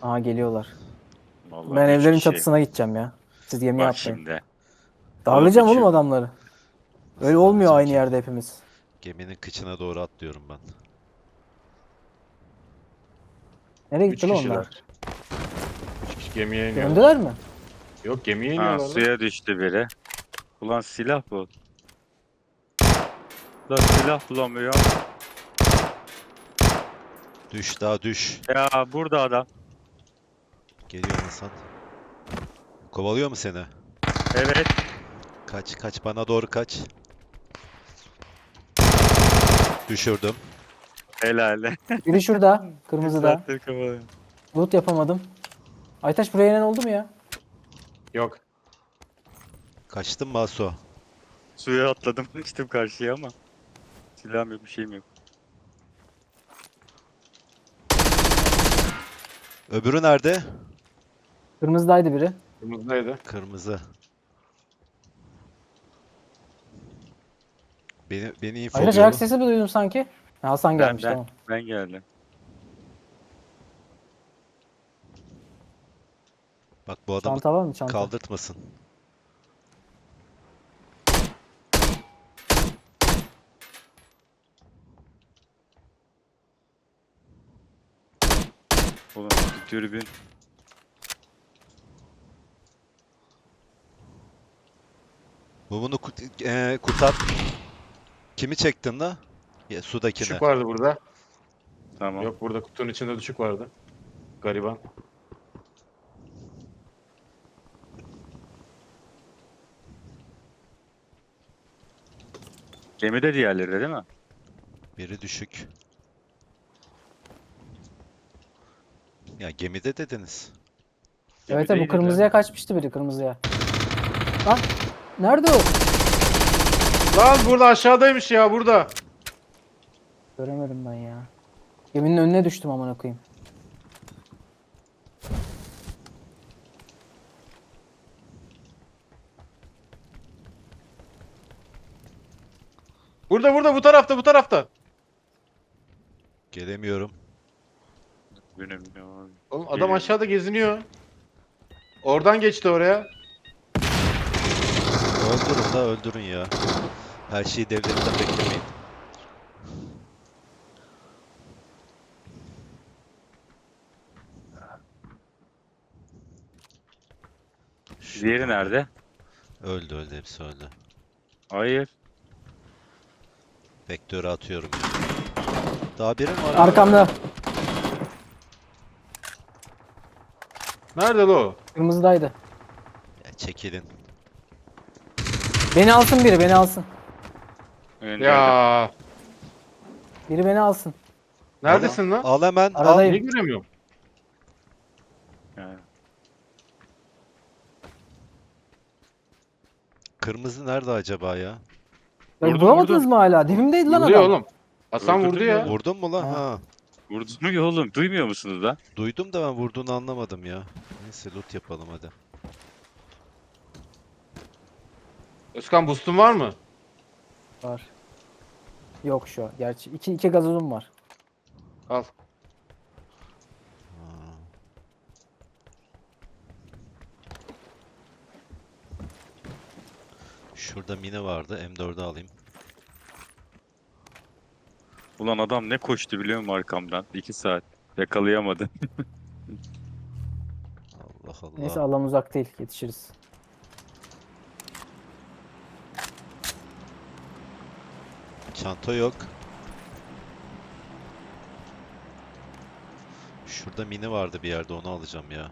Aha geliyorlar. Vallahi Ben 3 evlerin kişi. çatısına gideceğim ya. Siz gemiye Bak atlayın. şimdi. Darlayacağım oğlum Oğlum adamları. Nasıl Öyle olmuyor darlayacağım aynı ki? yerde hepimiz. Geminin kıçına doğru atlıyorum ben. Nereye 3 gitti lan onlar? kişiler. 3 kişi gemiye iniyorlar. Döndüler mi? Yok gemiye Ha, iniyorlar lan. suya düştü biri. Ulan silah bu. Lan silah bulamıyor. Düş daha düş. Ya burada adam. Geliyor Hasan. Kovalıyor mu seni? Evet. Kaç kaç bana doğru kaç. Düşürdüm. Helal. Biri şurada. Bir Kırmızıda. saattir kovalıyor. Loot yapamadım. Aytaç buraya inen oldu mu ya? Yok. Kaçtın mı Aso? Suya atladım. Geçtim karşıya ama. Silahım yok, bir şeyim yok. Öbürü nerede? Kırmızıdaydı biri. Kırmızıdaydı. Kırmızı. Beni Aytaç ayak infoluyor. sesi mi duydum sanki? Ha, Hasan gelmiş Ben, tamam. ben geldim. Bak bu adamı Çanta var mı çanta? kaldırtmasın. Oğlum bir dürbün. Bu bunu kurtar. Kimi çektin la? Ya, sudakine. Düşük vardı burada. Tamam. Yok burada kutunun içinde düşük vardı. Gariban. Gemide diğerleri de değil mi? Biri düşük. Ya gemide dediniz. Evet evet, bu Gemideydi de. kırmızıya kaçmıştı biri kırmızıya. Lan nerede o? Lan burada aşağıdaymış ya burada. Göremedim ben ya. Geminin önüne düştüm amına koyayım. Burada bu tarafta bu tarafta. Gelemiyorum. Benim ya. Oğlum adam Geliyor. aşağıda geziniyor. Oradan geçti oraya. Öldürün da öldürün ya. Her şeyi devletten beklemeyin. Diğeri nerede? Öldü hepsi öldü. Hayır. Vektörü atıyorum. Daha biri mi var? Arkamda. Nerede lo? o? Kırmızıdaydı. Ya çekilin. Beni alsın biri beni alsın. Öndeydi. Ya Biri beni alsın. neredesin lan? Al hemen al. Aradayım. Niye göremiyorum? Yani. Kırmızı nerede acaba ya? Bak, Vurdum, bulamadınız vurdum. mı hala? Dibimdeydi lan Vuruyor adam. oğlum. Hasan vurdu Öldürdüm ya. ya. Vurdun mu lan? Ha. Ha. Vurdun mu oğlum? Duymuyor musunuz lan? Duydum da ben vurduğunu anlamadım ya. Neyse loot yapalım hadi. Özkan boost'un var mı? Var. Yok şu an. Gerçi iki gazozum var. Al. Ha. Şurada mini vardı. M4'ü alayım. Ulan adam ne koştu biliyor musun arkamdan? 2 saat. Yakalayamadı. Allah Allah. Neyse alan uzak değil. Yetişiriz. Çanta yok. Şurada mini vardı bir yerde onu alacağım ya.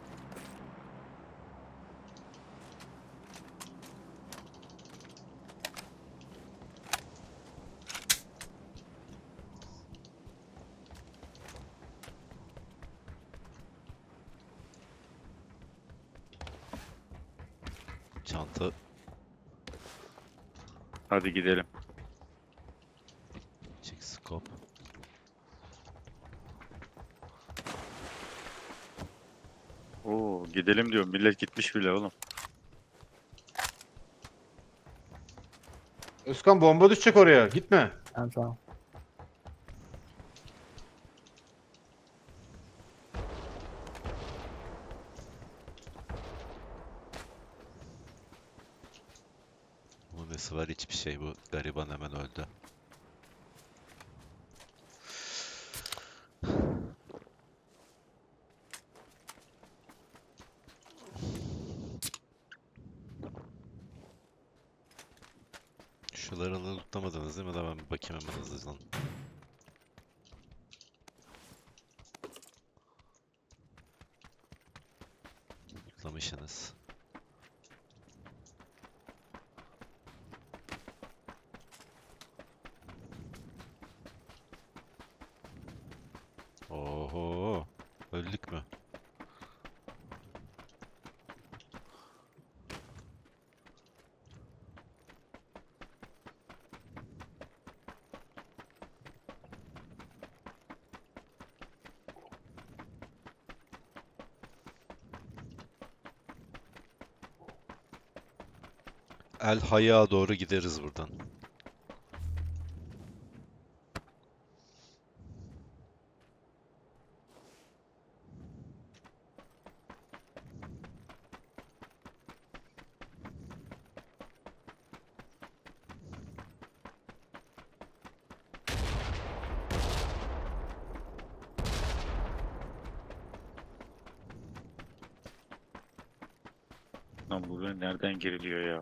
Çanta Hadi gidelim. çek scope. Oo gidelim diyorum. Millet gitmiş bile oğlum. Özkan bomba düşecek oraya. Gitme. Tamam tamam. açıklaması var. Hiçbir şey, bu gariban hemen öldü. Şuları lootlamadınız değil mi? Da ben bir bakayım hemen hızlıca. Lootlamışsınız. Oho, öldük mü? El Hay'a doğru gideriz buradan. Lan buraya nereden giriliyor ya?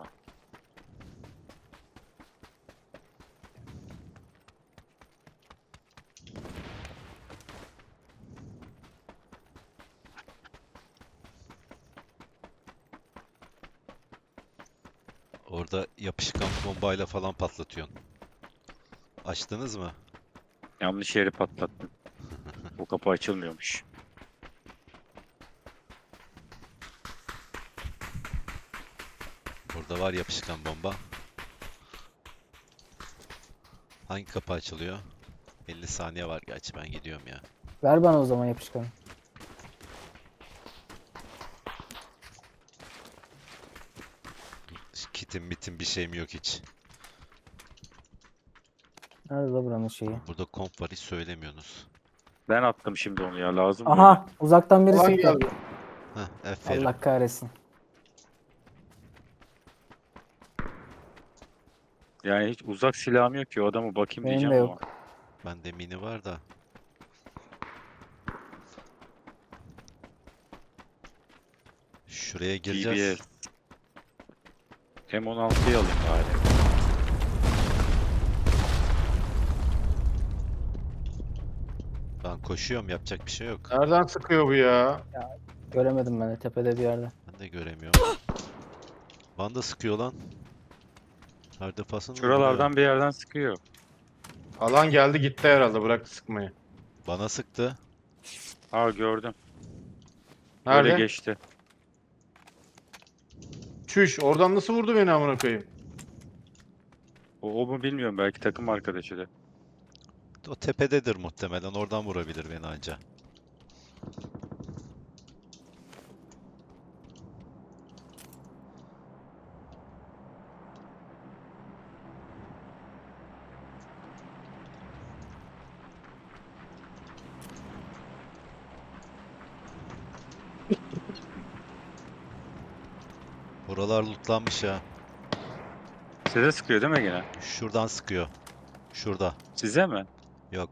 Orada yapışkan bombayla falan patlatıyorsun. Açtınız mı? Yanlış yeri patlattım. Bu kapı açılmıyormuş. Burada var yapışkan bomba. Hangi kapı açılıyor? 50 saniye var gerçi, ben gidiyorum ya. Ver bana o zaman yapışkanı. Kitim bitim bir şeyim yok hiç. Nerede la buranın şeyi? Burada komp var, hiç söylemiyorsunuz. Ben attım şimdi onu ya, lazım böyle. Aha, uzaktan biri Ulan sıktı. geldi. Heh, aferin. Allah kahretsin. Yani hiç uzak silahım yok ki, o adamı bakayım Benim de diyeceğim yok. ama. Bende mini var da. Şuraya gireceğiz. DBS. M16'yı alayım bari. Ben koşuyorum, yapacak bir şey yok. Nereden sıkıyor bu ya? Göremedim ben de tepede bir yerde. Ben de göremiyorum. Bana da sıkıyor lan. Her defasında Şuralardan bir yerden sıkıyor. Alan geldi gitti herhalde, bıraktı sıkmayı. bana sıktı. Ha, gördüm. Nerede? Böyle geçti. Çüş, oradan nasıl vurdu beni amına koyayım? O mu bilmiyorum, belki takım arkadaşı da. O tepededir muhtemelen. Oradan vurabilir beni anca. Buralar lootlanmış ha. Size sıkıyor değil mi gene? Şuradan sıkıyor. Şurada. Size mi? Yok.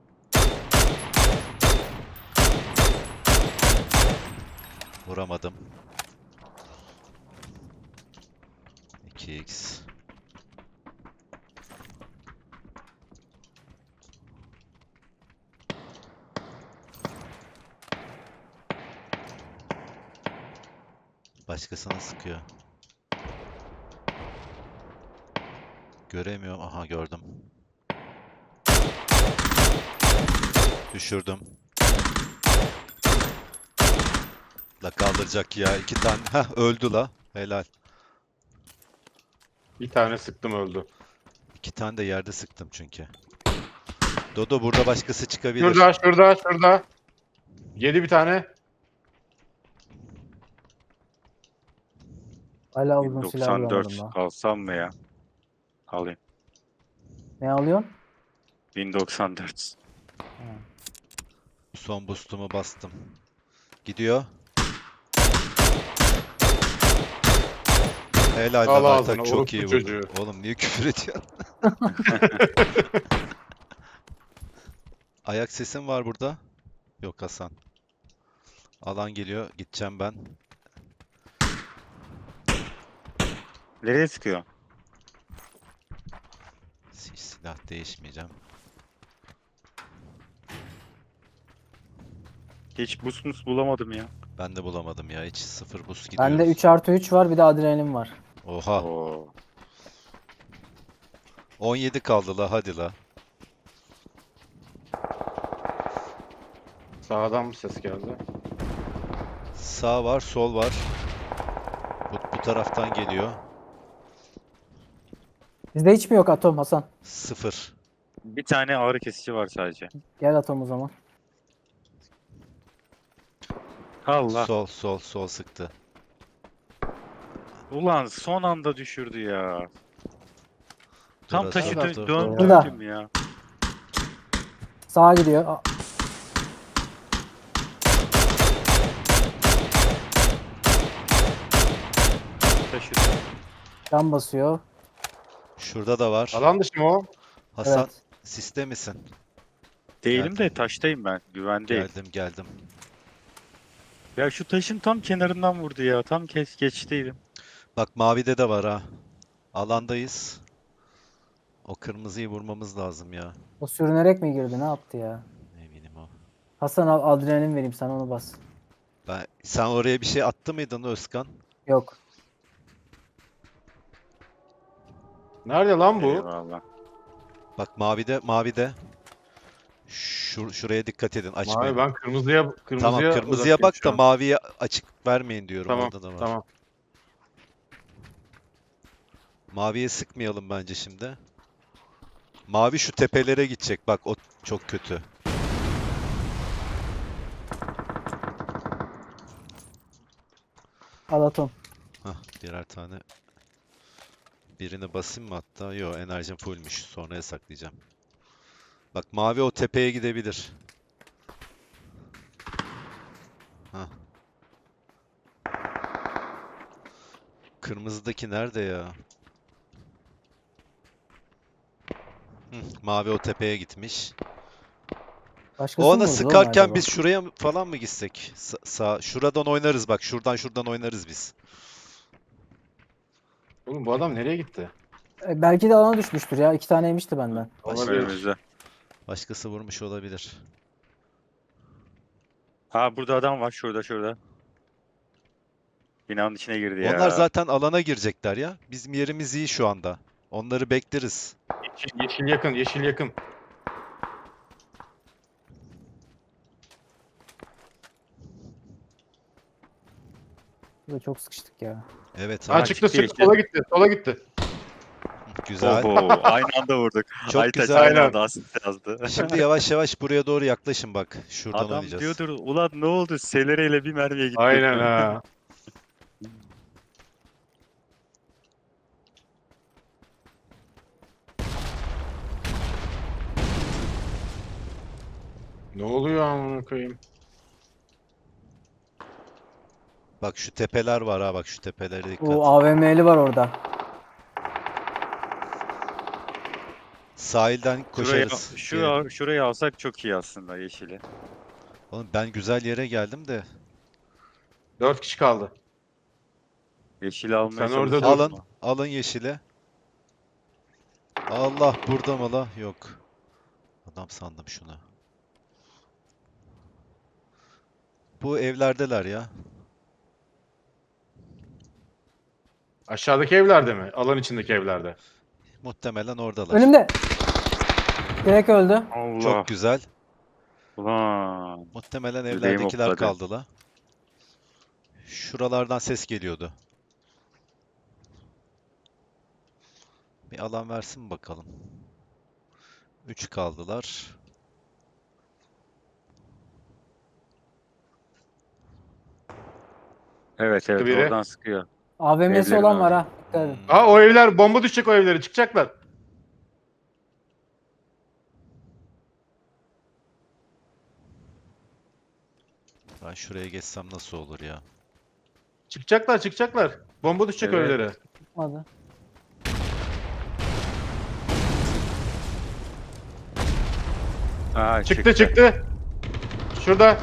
Vuramadım. 2x. Başkasına sıkıyor. Göremiyorum. Aha, gördüm. Düşürdüm. La kaldıracak ya. 2 tane. Heh, öldü la. Helal. Bir tane sıktım öldü. 2 tane de yerde sıktım çünkü. Dodo, burada başkası çıkabilir. Şurada. Yedi bir tane. Hala uzun silah bulamadım 1094 daha. alsam mı ya? Alayım. Ne alıyorsun? 1094. Son boost'umu bastım. Gidiyor. Helal Al lan ağzına, Aytak, çok orospu iyi vurdun. çocuğu. Oğlum niye küfür ediyorsun? Ayak sesim var burada. Yok Hasan. Alan geliyor. Gideceğim ben. Nereye sıkıyor? Hiç silah değişmeyeceğim. Hiç boost bulamadım ya. Ben de bulamadım ya. Hiç sıfır boost Bende gidiyoruz. 3+3 var, bir de adrenalin var. Oha. Oo. 17 kaldı la, hadi la. Sağdan bir ses geldi. Sağ var, sol var. Bu taraftan geliyor. Bizde hiç mi yok atom Hasan? Sıfır. Bir tane ağrı kesici var sadece. Gel atom o zaman. Allah. Sol sıktı. Ulan son anda düşürdü ya. Tam Dur taşı Hasan, dur. döndürdüm ya. Sağa gidiyor. Taşı. Can basıyor. Şurada da var. Alan dışı mı o? Hasan, Evet. siste misin? Değilim de Geldim. taştayım ben. Güvendeyim. Geldim. Ya şu taşın tam kenarından vurdu ya. Tam geçtiydim. Bak mavide de var ha. Alandayız. O kırmızıyı vurmamız lazım ya. O sürünerek mi girdi? Ne yaptı ya? Eminim o. Hasan al, adrenalin vereyim sana, onu bas. Sen oraya bir şey attı mıydın Özkan? Yok. Nerede lan bu? Eyvallah. Bak mavide. Şuraya dikkat edin. Açmayın. Mavi, ben kırmızıya Tamam, kırmızıya uzaktayım bak şu da an. maviye açık vermeyin diyorum. Tamam, Orada da var. tamam. Maviye sıkmayalım bence şimdi. Mavi şu tepelere gidecek. Bak o çok kötü. Al atom. Hah, birer tane. Birini basayım mı hatta? Yo, enerjim fullmüş. Sonraya saklayacağım. Bak mavi o tepeye gidebilir. Hah. Kırmızıdaki nerede ya? Mavi o tepeye gitmiş. Başkası O mı ona vurdu oğlum sıkarken acaba? biz şuraya falan mı gitsek? Şuradan oynarız bak. Şuradan oynarız biz. Oğlum bu adam nereye gitti? Belki de alana düşmüştür ya. 2 tane yemişti benden. Olabilir. Önümüzde. Başkası vurmuş olabilir. Ha burada adam var. Şurada. Binanın içine girdi ya. Onlar zaten alana girecekler ya. Bizim yerimiz iyi şu anda. Onları bekleriz. Yeşil yakın, yeşil yakın. Burada çok sıkıştık ya. Evet Ha abi. çıktı, çıktı çıktı, sola gitti. Güzel. Oho, aynı anda vurduk. Çok Aytaç güzel. aynı Aynen. anda asist yazdı. Şimdi yavaş yavaş buraya doğru yaklaşın bak. Şuradan Adam oynayacağız. diyordur ulan ne oldu? Selereyle bir mermiye gitti. Aynen ha. Ne oluyor amına koyayım? Bak şu tepeler var ha, bak şu tepelere dikkat. O AVM'li var orada. Sahilden koşarız. Şurayı alsak çok iyi aslında yeşili. Oğlum ben güzel yere geldim de. 4 kişi kaldı. Yeşili almaya Sen orada çalışıyoruz Alın, ama. alın yeşile. Allah, burada mı la? Yok. Adam sandım şunu. Bu evlerdeler ya. Aşağıdaki evlerde mi? Alan içindeki evlerde. Muhtemelen oradalar. Önümde. Direkt öldü. Allah. Çok güzel. Ulan. Muhtemelen Yüreğim evlerdekiler hopladı. kaldı la. Şuralardan ses geliyordu. Bir alan versin bakalım. 3 kaldılar. Evet biri. oradan sıkıyor. AVM'si Evlerin olan var orada. ha. Dikkat edin. Ha o evler bomba düşecek, o evlere çıkacaklar. Ben şuraya geçsem nasıl olur ya? Çıkacaklar. Bomba düşecek o Evet. evlere. Çıkmadı. Aa, Çıktı çıktı. Şurada.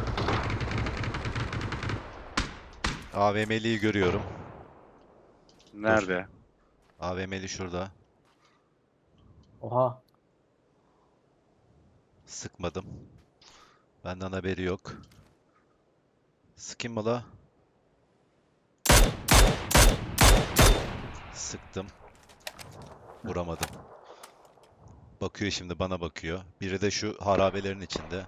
AVM'liyi görüyorum. Nerede? AVM'li şurada. Oha. Sıkmadım. Benden haberi yok. Sıkayım mı la? Sıktım. Vuramadım. Bakıyor şimdi, bana bakıyor. Biri de şu harabelerin içinde.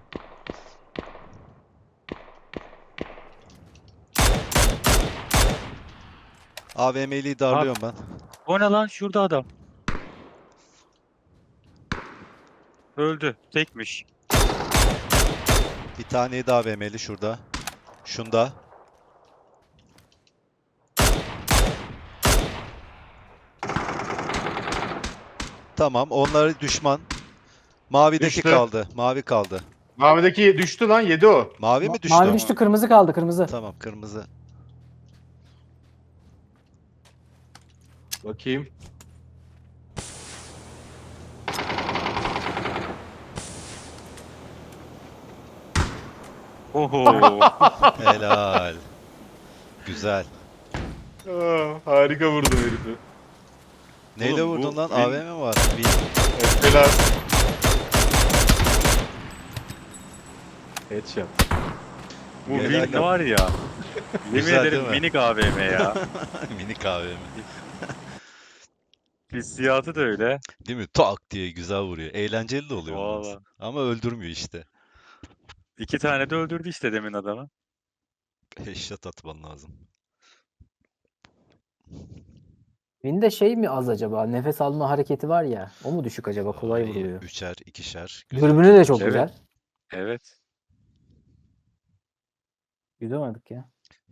AVM'liyi darlıyorum ben. O ne lan? Şurada adam. Öldü. Tekmiş. Bir taneyi daha AVM'li şurada. Şunda. Tamam, onlar düşman. Mavideki Düştü. kaldı. Mavi kaldı. Mavideki düştü lan, yedi o. Mavi mi düştü? Mavi düştü, kırmızı kaldı, kırmızı. Tamam, kırmızı. Bakayım. Oho. Helal. Güzel. Harika vurdum herifi. Neyle Oğlum, bu vurdun lan? win- AVM mi var? Evet, helal. Headshot. Bu Helal win lan. var ya. Yemin Güzel ederim değil mi? minik AVM ya. Minik AVM. Hissiyatı da öyle. Değil mi? Tak diye güzel vuruyor. Eğlenceli de oluyor ondan Valla. sonra. Ama öldürmüyor işte. 2 tane de öldürdü işte demin adamı. Headshot atman lazım. Wind'de şey mi az acaba? Nefes alma hareketi var ya. O mu düşük acaba? Kolay Ay, vuruluyor. Üçer, ikişer. Güzel. Dürbünü de çok Evet. güzel. Evet. Yüzemedik ya.